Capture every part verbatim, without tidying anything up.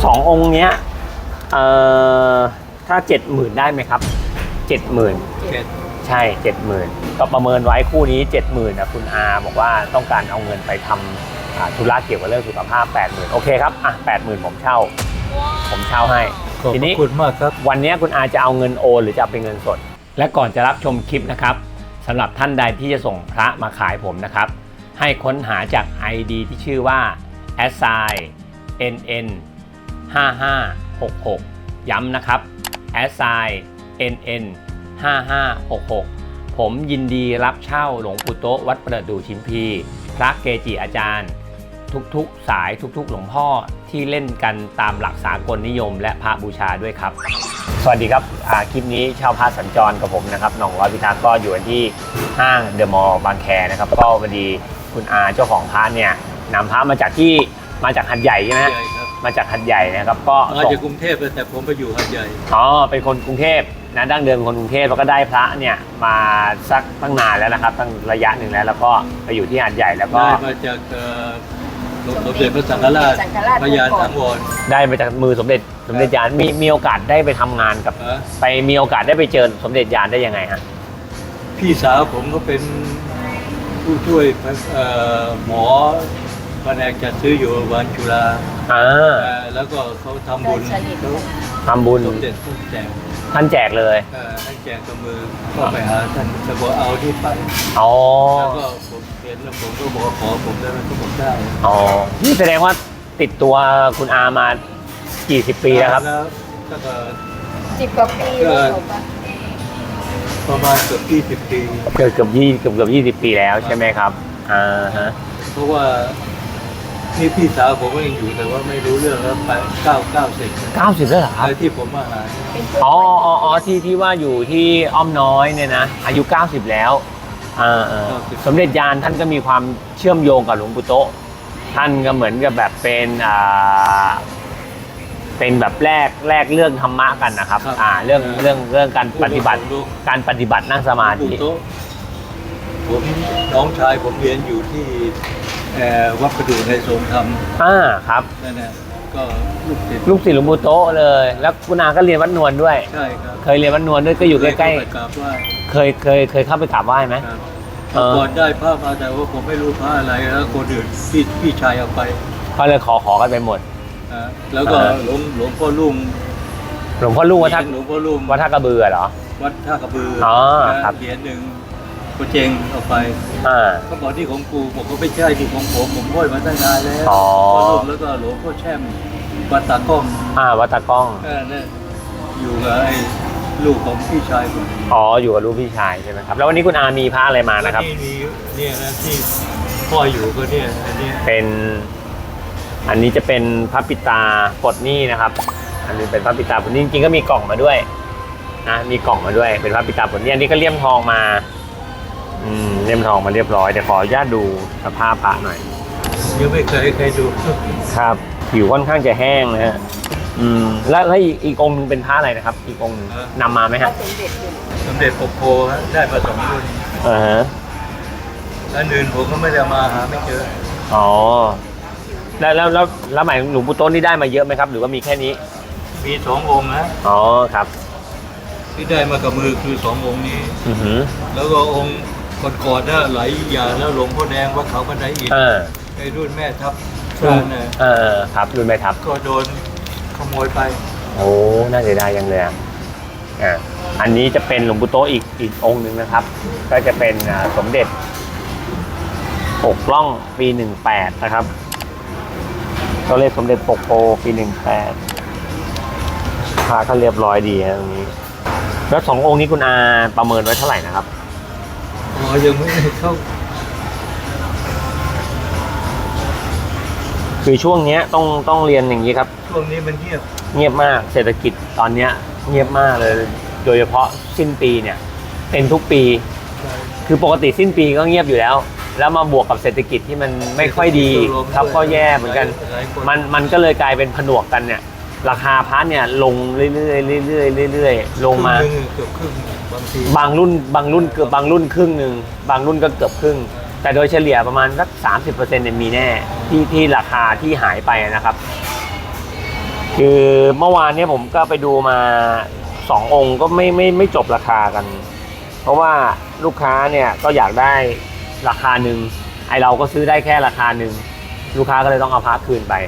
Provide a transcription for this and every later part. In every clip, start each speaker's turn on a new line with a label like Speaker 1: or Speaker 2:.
Speaker 1: สององค์เนี้ยเอ่อถ้าเจ็ดหมื่นได้ไหมครับเจ็ดหมื่นใช่เจ็ดหมื่นก็ประเมินไว้คู่นี้เจ็ดหมื่นนะคุณอาบอกว่าต้องการเอาเงินไปทำธุระเกี่ยวกับเรื่องสุขภาพแปดหมื่นโอเคครับอ่ะแปดหมื่นผมเช่าผมเช่าให้ทีนี้ขอบคุณมากครับวันนี้คุณอาจะเอาเงินโอนหรือจะเป็นเงินสดและก่อนจะรับชมคลิปนะครับสำหรับท่านใดที่จะส่งพระมาขายผมนะครับให้ค้นหาจาก ไอ ดี ที่ชื่อว่า แอสไซน์ เอ็น เอ็น ห้าห้าหกหก ย้ำนะครับ แอสไซน์ เอ็น เอ็น ห้าห้าหกหก ผมยินดีรับเช่าหลวงปู่โต๊ะวัดประดู่ชิมพีพระเกจิอาจารย์ทุกๆสายทุกๆหลวงพ่อที่เล่นกันตามหลักสากลนิยมและพระบูชาด้วยครับสวัสดีครับคลิปนี้ชาวพระสัญจรกับผมนะครับหน่องร้อยพิทักษ์ก็อยู่ที่ห้างเดอะมอลล์บางแคนะครับก็พอดีคุณอาเจ้าของพระเนี่ยนำพระมาจากที่มาจากหัดใหญ่ใช่ไหมมาจากหัดใหญ่นะครับก็
Speaker 2: มาจากกรุงเทพแต่ผมไปอยู่หัดใหญ่
Speaker 1: อ๋อเป็นคนกรุงเทพนะดั้งเดิมคนกรุงเทพแล้วก็ได้พระเนี่ยมาสักตั้งนานแล้วนะครับตั้งระยะหนึ่งแล้วแล้วก็ไปอยู่ที่หัดใหญ่แล้วก็
Speaker 2: ได้มาจากสมเด็จพระสังฆราชพระยาสังวร
Speaker 1: ได้มาจากมือสมเด็จสมเด็จยานมีมีโอกาสได้ไปทำงานกับไปมีโอกาสได้ไปเจอสมเด็จยานได้ยังไงฮะ
Speaker 2: พี่สาวผมก็เป็นผู้ช่วยหมอแผนกจัดซื้ออยู่วันจุฬา
Speaker 1: อ่า
Speaker 2: แล้วก็เขาทำบุญ
Speaker 1: ทำบุญ
Speaker 2: สมเด็จท่านแจก
Speaker 1: ท่านแจกเลย
Speaker 2: ท่านแจกกับมือก็ไปหาท่านจะบอกเอาที่ไป
Speaker 1: อ๋อ
Speaker 2: แล้วก็ผมเห็นแล้วผมก็บอกขอผมได้ไหมก็บอกได้
Speaker 1: อ๋อนี่แสดงว่าติดตัวคุณอามากี่สิบปีแล้วครับ
Speaker 2: ก็
Speaker 3: สิบกว่าปี
Speaker 2: ประมาณเกือบยี่สิบปี
Speaker 1: เกือบเกือบยี่เกือบเกือบยี่สิบปีแล้วใช่ไหมครับอ่าฮะ
Speaker 2: เพราะว่านี่พี่สาวผมก็ยังอยู่แต่ว่าไม่รู้เรื่องแล้วไปเก้าเก้าสิบ
Speaker 1: เก้าสิบแล้วเหรอครับ
Speaker 2: ที่ผมมาหา
Speaker 1: อ๋ออ๋ออ๋อที่ที่ว่าอยู่ที่อ้อมน้อยเนี่ยนะอายุเก้าสิบแล้วอ่าสมเด็จยานท่านก็มีความเชื่อมโยงกับหลวงปู่โต๊ะท่านก็เหมือนกับแบบเป็นอ่าเป็นแบบแรกแรกเรื่องธรรมะกันนะครับอ่าเรื่องเรื่องเรื่องการปฏิบัติการปฏิบัตินั่งสมาธิ
Speaker 2: ผมน้องชายผมเรียนอยู่ที่วัดประดู่ในทรงธรรม
Speaker 1: อ่าครับ
Speaker 2: นั่นแหละก็ลูกศิษย์
Speaker 1: ลูกศิษย์หลวงปู่โต๊ะเลยแล้วคุณอาก็เรียนวัดนวลด้วย
Speaker 2: ใช่ครับ
Speaker 1: เคยเรียนวัดนวลด้วยก็อยู่ใกล้ๆเคยเคยเคยเข้าไปกราบไหว้ไหม
Speaker 2: ก่อนได้พระมาแต่ว่าผมไม่รู้พระอะไรแล้วคนอื่นพี่พี่ชายเอาไป
Speaker 1: เขาเลยขอขอกันไปหมด
Speaker 2: แล้วก็หลวงหลวงพ่อลุง
Speaker 1: หลวงพ่อลุงวัดท่า
Speaker 2: หลวงพ่อลุง
Speaker 1: วัดท่ากระบือเหรอ
Speaker 2: วัดท่ากระบือ
Speaker 1: อ๋อครับ
Speaker 2: เหรียญหนึ่งกูเจงเอาไปเขาบอกที่ของกูผมก็ไม่ใช่ที่ของผมผมห้อยมาตั้งนานแล้ว
Speaker 1: อ๋อ
Speaker 2: แล้วก็หลวงพ่อแช่มวัดตากล้อง
Speaker 1: อ่าวัดตากล้อง
Speaker 2: เนี่ยอยู่กับไอ้ลูกของพี่ชายผม
Speaker 1: อ๋ออยู่กับลูกพี่ชายใช่ไหมครับแล้ววันนี้คุณอามีพระอะไรมานะครับ
Speaker 2: นี่มีเนี่ยนะที่พ่ออยู่ก็เนี่ยอันนี้
Speaker 1: เป็นอันนี้จะเป็นพระปิตาปลดหนี้นะครับอันนี้เป็นพระปิตาปลดหนี้จริงๆก็มีกล่องมาด้วยนะมีกล่องมาด้วยเป็นพระปิตาปลดหนี้อันนี้ก็เลี่ยมทองมาอืมเลี่ยมทองมาเรียบร้อยเดี๋ยวขออนุญาตดูสภาพพระหน่อย
Speaker 2: ยังไม่เคยเคยดู
Speaker 1: ครับผิวค่อนข้างจะแห้งนะฮะอืมแล้วแล้วอีกอีกองค์นึงเป็นพระอะไรนะครับอีกองค์นึงนำมาไหมฮะ
Speaker 2: สมเด็จปกโพได้มาสองรุ่น
Speaker 1: อ่าฮะ
Speaker 2: อันอื่นผมก็ไม่ได้มาหาไม่เจอ
Speaker 1: อ๋อแล้วแล้วแล้วแล้วหมายหลวงปู่โต๊ะนี่ได้มาเยอะไหมครับหรือว่ามีแค่นี้
Speaker 2: มีสององค์นะ
Speaker 1: อ๋อครับ
Speaker 2: ที่ได้มากับมือคือสององค์นี้
Speaker 1: อือหือ
Speaker 2: แล้วก็องค์ก่อนๆน่ะหลายอย่างแล้วหลวงพ่อแดงวัดเขาบันไดอิฐไอ้รุ่นแม่ทัพ
Speaker 1: เนี่ยเออครับรุ่นแม่ทัพ
Speaker 2: ก็โดนขโมยไป
Speaker 1: โอ้น่าเสียดายยังเลยอ่ะอ่าอันนี้จะเป็นหลวงปู่โต๊ะอีกอีกองค์หนึ่งนะครับก็จะเป็นสมเด็จปกล่องปีหนึ่งแปดนะครับตัวเลขสมเด็จปกโพปีหนึ่งแปดพาก็เรียบร้อยดีนะตรงนี้แล้วสององค์นี้คุณอาประเมินไว้เท่าไหร่นะครับ
Speaker 2: อ๋อยังไม่เข้า
Speaker 1: คือช่วงนี้ต้องต้องเรียนอย่างนี้ครับ
Speaker 2: ช่วงนี้มันเงียบ
Speaker 1: เงียบมากเศรษฐกิจตอนนี้เงียบมากเลยโดยเฉพาะสิ้นปีเนี่ยเป็นทุกปีคือปกติสิ้นปีก็เงียบอยู่แล้วแล้วมาบวกกับเศรษฐกิจที่มันไม่ค่อยดีครับก็แย่เหมือนกันมันมันก็เลยกลายเป็นผนวกกันเนี่ยราคาพระเนี่ยลงเรื่อยๆเรื่อยๆเรื่อยๆลงมา
Speaker 2: เกือบครึ่งบางที
Speaker 1: บางรุ่นบางรุ่นเกือบบางรุ่นครึ่งหนึ่งบางรุ่นก็เกือบครึ่งแต่โดยเฉลี่ยประมาณสัก สามสิบเปอร์เซ็นต์ เนี่ยมีแน่ที่ที่ราคาที่หายไปนะครับคือเมื่อวานเนี้ยผมก็ไปดูมาสององค์ก็ไม่ไม่ไม่จบราคากัน เพราะว่าลูกค้าเนี่ยก็อยากได้ราคาหนึ่งไอเราก็ซื้อได้แค่ราคาหนึ่งลูกค้าก็เลยต้องเอาพระคืนไป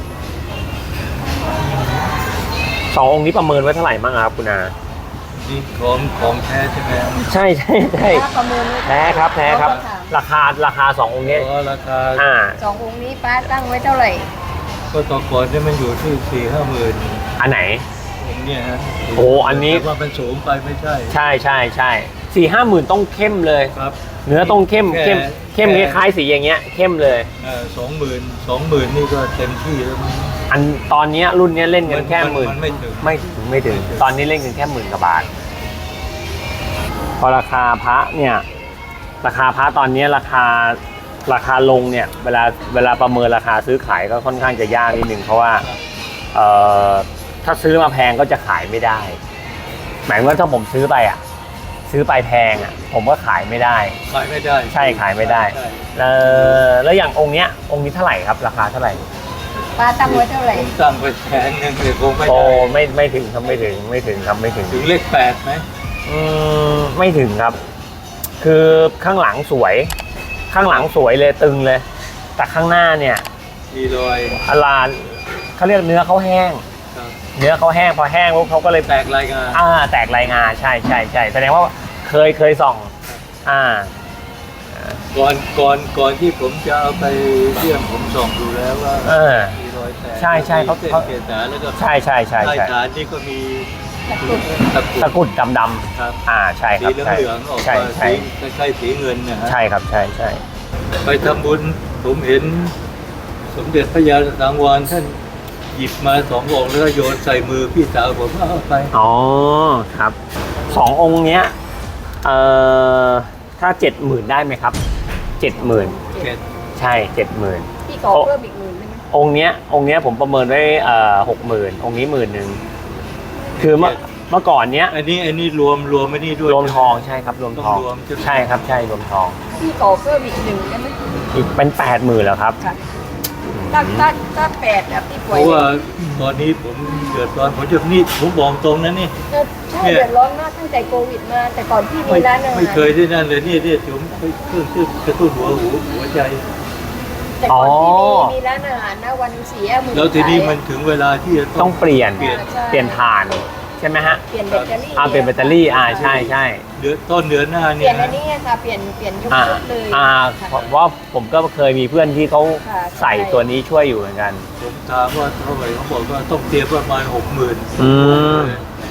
Speaker 1: สององค์นี้ประเมินไว้เท่าไหร่บ้างครับคุณอา
Speaker 2: นี่ของของแท้ใช่ไหม
Speaker 1: ใช่ใช่ใช่
Speaker 3: ป้าประเมินไว้
Speaker 1: แท้ครับแท้ครับ
Speaker 3: ะ
Speaker 1: ราคาราคาสององค์นี้
Speaker 2: เพราะราคา
Speaker 1: อ่า
Speaker 3: สององค์นี้ป้าตั้งไว้เท่าไหร่
Speaker 2: ก็ต่อก่อนเนี่ยมันอยู่ที่สี่ห้าหมื่น
Speaker 1: อันไหน
Speaker 2: ผมเนี่ยฮะ
Speaker 1: โอ้อันนี้
Speaker 2: แต่ว่ามันสูงไปไม่ใช่
Speaker 1: ใช่ใช่ใช่สี่ห้าหมื่นต้องเข้มเลย
Speaker 2: ครับ
Speaker 1: เนื้อต้องเข้ม
Speaker 2: แค่
Speaker 1: เข้มเข้มค
Speaker 2: แค่
Speaker 1: ล้ายๆสีอย่างเงี้ยเข้มเลย
Speaker 2: สองหมื่นสองหมื่นนี่ก็เต็มที่แล้วมั้ง
Speaker 1: อันตอนเนี้ยรุ่นเนี้ยเล่นกันแค่หมื่น
Speaker 2: มันไม่ถึง
Speaker 1: ไม่ถึงไม่ถึง
Speaker 2: ไม่ถึง
Speaker 1: ตอนนี้เล่นกันแค่หมื่นกว่าบาท พอราคาพระเนี่ย ราคาพระตอนนี้ราคาราคาลงเนี่ย เวลาเวลาประเมินราคาซื้อขายก็ค่อนข้างจะยากนิดนึงเพราะว่าเอ่อถ้าซื้อมาแพงก็จะขายไม่ได้ หมายถึงว่าถ้าผมซื้อไปอ่ะ ซื้อไปแพงอ่ะ ผมก็ขายไม่ได้
Speaker 2: ขายไม่ได้
Speaker 1: ใช่ขายไม่ได้
Speaker 2: ใช่
Speaker 1: เอ่อแล้วอย่างองค์เนี้ยองค์นี้เท่าไหร่ครับ ราคาเท่าไหร่
Speaker 3: ป้าตั้งไว้เท่าไหร่
Speaker 2: ผมตั้งไปแสนหนึ่งเลยคงไม่
Speaker 1: โอ้
Speaker 2: ได้
Speaker 1: ไม่ไม่ถึงครับไม่ถึงไม่ถึงครับไม่ถึง
Speaker 2: ถึงเลขแปดไหม
Speaker 1: อืมไม่ถึงครับ คือข้างหลังสวย ข้างหลังสวยเลยตึงเลย แต่ข้างหน้าเนี่ย
Speaker 2: มีรอย
Speaker 1: อลานเขาเรียกเนื้อเขาแห้ง
Speaker 2: ครับ
Speaker 1: เนื้อเขาแห้งพอแห้งปุ๊บเขาก็เลย
Speaker 2: แตกรายงาน
Speaker 1: อ่าแตกลายงาใช่ใช่ใช่แสดงว่าเคยเคยส่อง อ่า
Speaker 2: ก่อนก่อนก่อนที่ผมจะเอาไปเยี่ยมผมส่องดูแล้วว่า
Speaker 1: เออ
Speaker 2: มีรอยแตก
Speaker 1: ใช่ใช่เขา
Speaker 2: มีส้น
Speaker 1: เขา
Speaker 2: เกศาแล้วก็
Speaker 1: ใช่ใช่ใช่
Speaker 2: ใต้
Speaker 1: ใช่
Speaker 2: ฐานนี่ก็มี
Speaker 3: ตะกรุด
Speaker 2: ตะกรุด
Speaker 1: ตะกรุดดำดำ
Speaker 2: ครับ
Speaker 1: ๆอ่าใช่ค
Speaker 2: สี
Speaker 1: รับ
Speaker 2: เหลือง
Speaker 1: ใช่
Speaker 2: เหลืองๆออก
Speaker 1: ใช่
Speaker 2: มา
Speaker 1: ใช่
Speaker 2: สีคล้ายๆสีเงินนะฮะ
Speaker 1: ใช่ครับใช่ใช่
Speaker 2: ไปทำบุญผมเห็นสมเด็จพระยาสังวรท่านหยิบมาสององค์แล้วก็โยนใส่มือพี่สาวผมเอาไป
Speaker 1: อ๋อครับสององค์เนี้ยเอ่อถ้าเจ็ดหมื่นได้ไหมครับเจ็ดหมื่น
Speaker 2: เจ็ด
Speaker 1: ใช่เจ็ดหมื่น
Speaker 3: พี่ขอเพิ่มอีกหมื่นได้ไหม
Speaker 1: องค์เนี้ยองค์เนี้ยผมประเมินไว้เอ่อหกหมื่นองค์นี้หมื่นหนึ่งคือเมื่อเมื่อก่อนเนี้ย
Speaker 2: อันนี้อันนี้รวมรวมไม่นี่ด้วย
Speaker 1: รวมทองใช่ครับรวมทอง
Speaker 2: ต้องรวมใช่ไหม
Speaker 1: ใช่ครับใช่รวมทอง
Speaker 3: พี่ขอเพิ่มอีกหนึ่งได้ไหม
Speaker 1: อีกเป็นแปดหมื่นแล้วครับ
Speaker 3: ค่ะถ้าถ้าถ้าแปดอะพี่ป่
Speaker 2: เพ
Speaker 3: วย
Speaker 2: ราะว่าตอนนี้ผมเดือดร้อนผมจะนี่ผมบอกตรงนะนี่
Speaker 3: ใช่เดือดร้อนมากตั้งแต่โควิดมา แต่ก่อนพี่มี
Speaker 2: ไม่
Speaker 3: ร้านอาหาร
Speaker 2: ไม่เคยได้นั่นเลยนี่เนี่ยผมไปเครื่องชื่อกระตุ้นหัวหูหัวใจ
Speaker 3: แต่ก่อนพี่มีมีร้านอาหารนะวันหนึ่งสี่ห้าหมื่น
Speaker 2: แล้วทีนี้
Speaker 3: ขาย
Speaker 2: มันถึงเวลาที่จะ
Speaker 1: ต้
Speaker 2: ต้
Speaker 1: อ
Speaker 2: อง ง
Speaker 1: เปลี่ยน
Speaker 2: เปลี่ยน
Speaker 1: เปลี่ยนฐานใช่ไหมฮะ
Speaker 3: เปลี่ยนแบตเตอรี่
Speaker 1: อ่าเปลี่ยนแบตเตอรี่อ่าใช่ใช่
Speaker 2: เดือนต้นเดือนหน้า
Speaker 3: เป
Speaker 2: เนี่
Speaker 3: ลี่ย
Speaker 2: ย
Speaker 3: นอันนี้ค่ะเปลี่ยนเปลี่ยนยุค
Speaker 1: อ่า
Speaker 3: ชุดเลย
Speaker 1: อ่า
Speaker 3: ค่ะ
Speaker 1: เพราะว่าผมก็เคยมีเพื่อนที่เขา
Speaker 3: ค่ะ
Speaker 1: ใส่ตัวนี้ช่วยอยู่เหมือนกัน
Speaker 2: ผมถามว่าเท่าไหร่เขาบอกว่าต้องเตรียมประมาณหกหมื่น
Speaker 1: อืม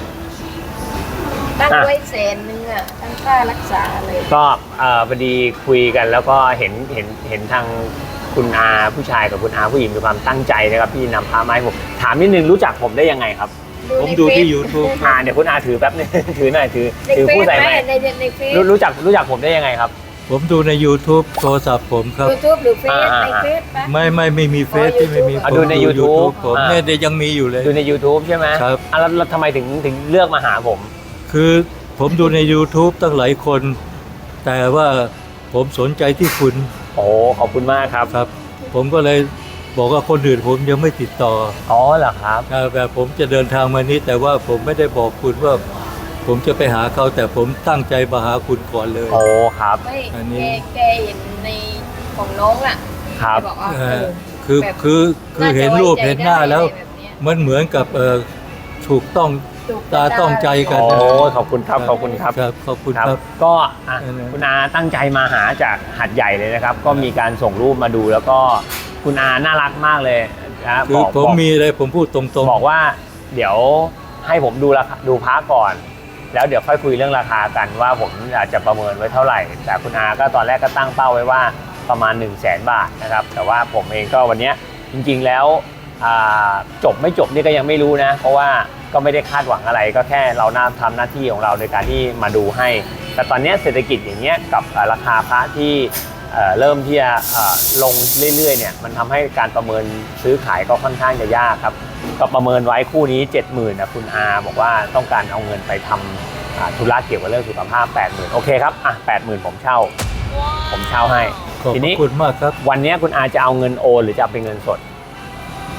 Speaker 3: ตั้งไว้แสนนึงอ่ะตั้งค่ารักษาเลย
Speaker 1: ก็เอ่อพอดีคุยกันแล้วก็เห็นเห็นเห็นทางคุณอาผู้ชายกับคุณอาผู้หญิงมีความตั้งใจนะครับที่นำพาไมาให้ผมถามนิดนึงรู้จักผมได้ยังไงครับ
Speaker 2: ผมดูที่ YouTube
Speaker 1: อ่าเดี๋ยวคุณอาถือแป๊บนึง ถือหน่อยถือ
Speaker 3: ใน
Speaker 1: ถือ
Speaker 3: เฟ
Speaker 1: ผู้
Speaker 3: ซ
Speaker 1: ใส่
Speaker 3: ไหม
Speaker 1: ไม้
Speaker 3: ในในเฟซ
Speaker 1: รู้รู้จักรู้จักผมได้ยังไงครับ
Speaker 2: ผมดูใน YouTube โทรศัพท์ผมครับ
Speaker 3: ยูทูบหรือเฟซ
Speaker 1: อ่า
Speaker 3: ในเฟซปะ
Speaker 2: ไม่ไม่ไม่มีเฟซ
Speaker 3: อ๋อ
Speaker 2: ที่ไม่มี
Speaker 3: YouTube
Speaker 1: อ่ะดูใน YouTube
Speaker 2: ผม
Speaker 1: อ่า
Speaker 2: เนี่ยเดี๋ยวยังมีอยู่เลย
Speaker 1: ดูใน YouTube ใช่ไหม
Speaker 2: ครับ
Speaker 1: อ่ะแล้วแล้วทำไมถึงถึงเลือกมาหาผม
Speaker 2: คือผมดูใน YouTube ตั้งหลายคน แต่ว่าผมสนใจที่คุณ
Speaker 1: โอ้ขอบคุณมากครับ
Speaker 2: ครับ ผมก็เลยบอกว่าคนอื่นผมยังไม่ติดต่อ
Speaker 1: อ๋อเหรอครับ
Speaker 2: อ่าแบบผมจะเดินทางมานี้แต่ว่าผมไม่ได้บอกคุณว่า ผมจะไปหาเขาแต่ผมตั้งใจมาหาคุณก่อนเลย
Speaker 1: โอ้ครับ
Speaker 3: ไม่
Speaker 2: อันนี้
Speaker 3: แกแกเห็นในของน้องอ่ะ
Speaker 1: ครับ
Speaker 3: แกบอกว่า
Speaker 2: เอ
Speaker 3: เอ
Speaker 2: อ
Speaker 3: อ
Speaker 2: คือ
Speaker 3: แบบ
Speaker 2: คือคือเห็นรูปเห็นหน้าแล้ว
Speaker 3: น่จะไใจได้อะไรแบบเนี้ย
Speaker 2: มันเหมือนกับเออถูกต้อง
Speaker 3: ถูก
Speaker 2: ตาต้องใจกัน
Speaker 1: โอ้
Speaker 2: นะ
Speaker 1: ขอบคุณครับขอบคุณครับ
Speaker 2: ครับขอบคุณ
Speaker 1: ครับ
Speaker 2: ครับ
Speaker 1: ก็อ่ะ
Speaker 2: เออ
Speaker 1: คุณอาตั้งใจมาหาจากหัดใหญ่เลยนะครับ ก็มีการส่งรูปมาดูแล้วก็คุณอาน่ารักมากเลยนะ
Speaker 2: คื
Speaker 1: บ
Speaker 2: อ
Speaker 1: อก
Speaker 2: ผม
Speaker 1: บอก
Speaker 2: มีอะไรผมพูดตรง
Speaker 1: บอกว่าเดี๋ยวให้ผมดูราคาดูพระก่อน แล้วเดี๋ยวค่อยคุยเรื่องราคากันว่าผมอาจจะประเมินไว้เท่าไหร่ แต่คุณอาก็ตอนแรกก็ตั้งเป้าไว้ว่าประมาณ หนึ่งแสน บาทนะครับแต่ว่าผมเองก็วันเนี้ยจริงๆแล้วอ่าจบไม่จบนี่ก็ยังไม่รู้นะเพราะว่าก็ไม่ได้คาดหวังอะไรก็แค่เราน่าทำหน้าที่ของเราในการที่มาดูให้ แต่ตอนเนี้ยเศรษฐกิจอย่างเงี้ยกับอ่าราคาพระที่เอ่อเริ่มที่จะเอ่อลงเรื่อยๆเนี่ยมันทำให้การประเมินซื้อขายก็ค่อนข้างจะยากครับก็ประเมินไว้คู่นี้ เจ็ดหมื่นนะคุณอาบอกว่าต้องการเอาเงินไปทำอ่าธุระเกี่ยวกับเรื่องสุขภาพ แปดหมื่น โอเคครับอ่ะแปดหมื่นผมเช่า ผมเช่าให้
Speaker 2: ๆ ขอบ
Speaker 1: ที
Speaker 2: พ
Speaker 1: นี้
Speaker 2: ระคุณมากครับ
Speaker 1: วันนี้คุณอาจะเอาเงินโอนหรือจะเอาเป็นเงินสด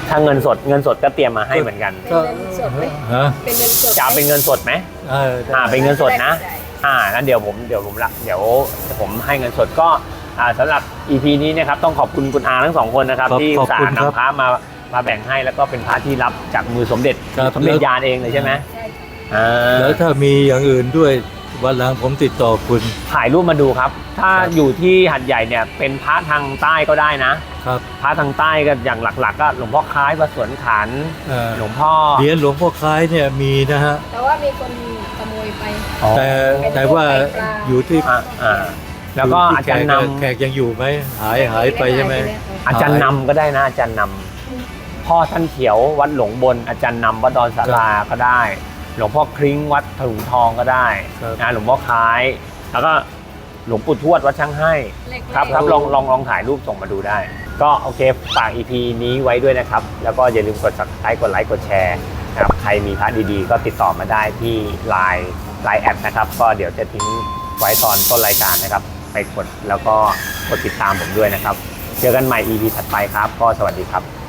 Speaker 1: ถ้าเงินสดเงินสดก็เตรียมมาให้เหมือนกัน
Speaker 3: เป็นเงินสดไหม
Speaker 2: ฮะ
Speaker 3: เป็นเงินสด
Speaker 1: จะเอาเป็นเงินสดไหม
Speaker 2: เออได้
Speaker 1: อ่าเป็นเงินสดนะ
Speaker 3: ได้
Speaker 1: อ่างั้นเดี๋ยวผมเดี๋ยวผมละเดี๋ยวผมให้เงินสดก็อ่าสำหรับ อี พี นี้นะครับต้องขอบคุณคุณอาทั้งสองคนนะครับ
Speaker 2: ครับ
Speaker 1: ที่
Speaker 2: ขอบ
Speaker 1: สา
Speaker 2: คุณ
Speaker 1: ร
Speaker 2: ครับ
Speaker 1: นำพระมามาแบ่งให้แล้วก็เป็นพระที่รับจากมือสมเด็จ
Speaker 2: ครับ
Speaker 1: สมเด็จ
Speaker 2: แล้ว
Speaker 1: ยานเองเลยใช่ไหม
Speaker 3: ใช่ค่ะ
Speaker 1: อ่า
Speaker 2: แล้วถ้ามีอย่างอื่นด้วยวันหลังผมติดต่อคุณ
Speaker 1: ถ่ายรูปมาดูครับ ถ้า
Speaker 2: ครับ
Speaker 1: อยู่ที่หัดใหญ่เนี่ยเป็นพระทางใต้ก็ได้นะ
Speaker 2: ครับ
Speaker 1: พระทางใต้ก็อย่างหลักๆ ก็หลวงพ่อคล้ายวัดสวนขัน
Speaker 2: เอ่อ
Speaker 1: หลวงพ่อ
Speaker 2: เหรียญหลวงพ่อคล้ายเนี่ยมีนะฮะ
Speaker 3: แต่ว่ามีคนขโมยไป
Speaker 1: อ๋อ
Speaker 2: แต่แต่ว่าอยู่ที่
Speaker 1: อ่าอ่าแล้วก็อาจารย์น
Speaker 2: แขกยังอยู่ไหมหายหายไปใช่ไหม
Speaker 1: ำอาจารย์นำก็ได้นะอาจารย์นำพ่อท่านเขียววัดหลวงบนอาจารย์นำวัดดอนสาราก็ได้ หลวงพ่อคลิ้งวัดถลุงทองก็ได้
Speaker 2: ครับ
Speaker 1: นะหลวงพ่อคล้าย แล้วก็หลวงปู่ทวดวัดช่างให้ ครับครับลองลองลองถ่ายรูปส่งมาดูได้ ก็โอเคฝาก อี พี นี้ไว้ด้วยนะครับ แล้วก็อย่าลืมกด ซับสไครบ์ กดไลค์กดแชร์นะครับใครมีพระดีๆ ก็ติดต่อมาได้ที่ ไลน์ ไลน์ แอดนะครับ ก็เดี๋ยวจะทิ้งไว้ตอนต้นรายการนะครับ ไปกดแล้วก็กดติดตามผมด้วยนะครับ เจอกันใหม่ อี พี ถัดไปครับ ก็สวัสดีครับ